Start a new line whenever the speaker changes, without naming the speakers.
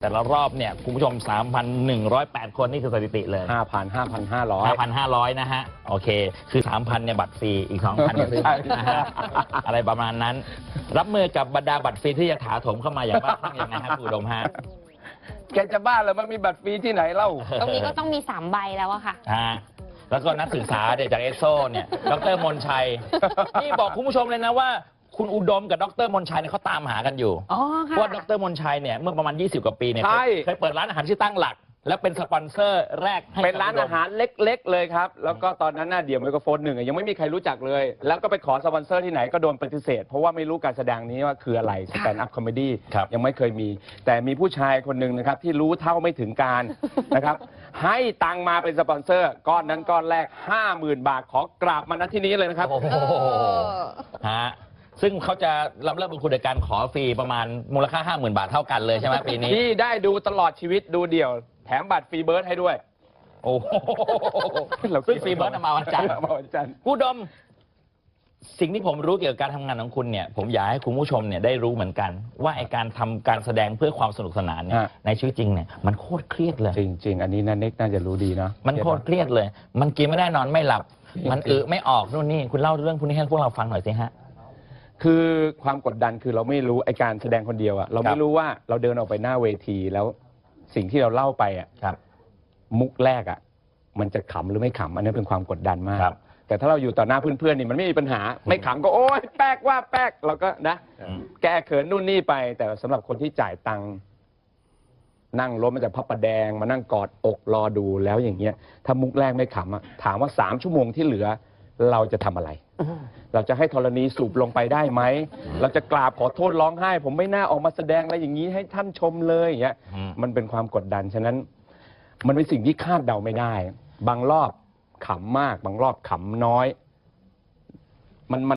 แต่ละรอบเนี่ยคุณผู้ชม 3,108 คนนี่คือสถิติเลย 5,500 นะฮะโอเคคือ 3,000 เนี่ยบัตรฟรีอีก 2,000 เนี่ยซื้อนะฮะอะไรประมาณนั้นรับมือกับบรรดาบัตรฟรีที่จะถาโถมเข้ามาอย่างบ้าคลั่งยังไงครับคุณอุดมฮะ
แกจะบ้าเหรอมันมีบัตรฟรีที่ไหนเล่า
ตรงนี้ก็ต้องมี3 ใบแล้วอะค่ะ
แล้วก็นักศึกษาจากเอสโซเนี่ยดร.มนชัยนี่บอกคุณผู้ชมเลยนะว่าคุณอุดมกับดร.มนชัยเนี่ยเขาตามหากันอยู่เพราะว่าดร.มนชัยเนี่ยเมื่อประมาณ20 กว่าปีเนี่ยเคยเปิดร้านอาหารชื่อตั้งหลักแล้วเป็นสปอนเซอร์แรกให้
เป็นร้านอาหารเล็กๆเลยครับแล้วก็ตอนนั้นเดี่ยวไมโครโฟน1ยังไม่มีใครรู้จักเลยแล้วก็ไปขอสปอนเซอร์ที่ไหนก็โดนปฏิเสธเพราะว่าไม่รู้การแสดงนี้ว่าคืออะไรสแตนด์อัพคอมเมดี้ยังไม่เคยมีแต่มีผู้ชายคนหนึ่งนะครับที่รู้เท่าไม่ถึงการนะครับให้ตังมาเป็นสปอนเซอร์ก้อนนั้นก้อนแรก 50,000 บาทขอกราบมาณที่นี้เลยนะครับ
ซึ่งเขาจะเริ่มเป็นคุณในการขอฟรีประมาณมูลค่า 50,000 บาทเท่ากันเลยใช่ไหมปีนี้
ที่ได้ดูตลอดชีวิตดูเดี่ยวแถมบัตรฟรีเบิร์ดให้ด้วย
โอ้โหซึ่งฟรีเบิร์ดมาวันจันทร์ผู้ดมสิ่งที่ผมรู้เกี่ยวกับการทำงานของคุณเนี่ยผมอยากให้คุณผู้ชมเนี่ยได้รู้เหมือนกันว่าไอการทำการแสดงเพื่อความสนุกสนานเนี่ยในชีวิตจริงเนี่ยมันโคตรเครียดเลย
จริงๆอันนี้นันเน็กน่าจะรู้ดีนะ
มันโคตรเครียดเลยมันกินไม่ได้นอนไม่หลับมันไม่ออกนู่นนี่คุณเล่าเรื่องพวกนี้ให้พวกเราฟังหน่อยสิฮะ
คือความกดดันคือเราไม่รู้ไอการแสดงคนเดียวอะเราไม่รู้ว่าเราเดินออกไปหน้าเวทีแล้วสิ่งที่เราเล่าไปอะมุกแรกอะมันจะขำหรือไม่ขำอันนี้เป็นความกดดันมากแต่ถ้าเราอยู่ต่อหน้าเพื่อนๆนี่มันไม่มีปัญหาไม่ขำก็โอ๊ยแป๊กว่าแป๊กเราก็นะแก้เขินนู่นนี่ไปแต่สำหรับคนที่จ่ายตังค์นั่งรถมาจากพระประแดงมานั่งกอดอกรอดูแล้วอย่างเงี้ยถ้ามุกแรกไม่ขำอะถามว่า3 ชั่วโมงที่เหลือเราจะทำอะไรเราจะให้ธรณีสูบลงไปได้ไหมเราจะกราบขอโทษร้องไห้ผมไม่น่าออกมาแสดงอะไรอย่างนี้ให้ท่านชมเลยอย่างเงี้ยมันเป็นความกดดันฉะนั้นมันเป็นสิ่งที่คาดเดาไม่ได้บางรอบขำมากบางรอบขำน้อยมัน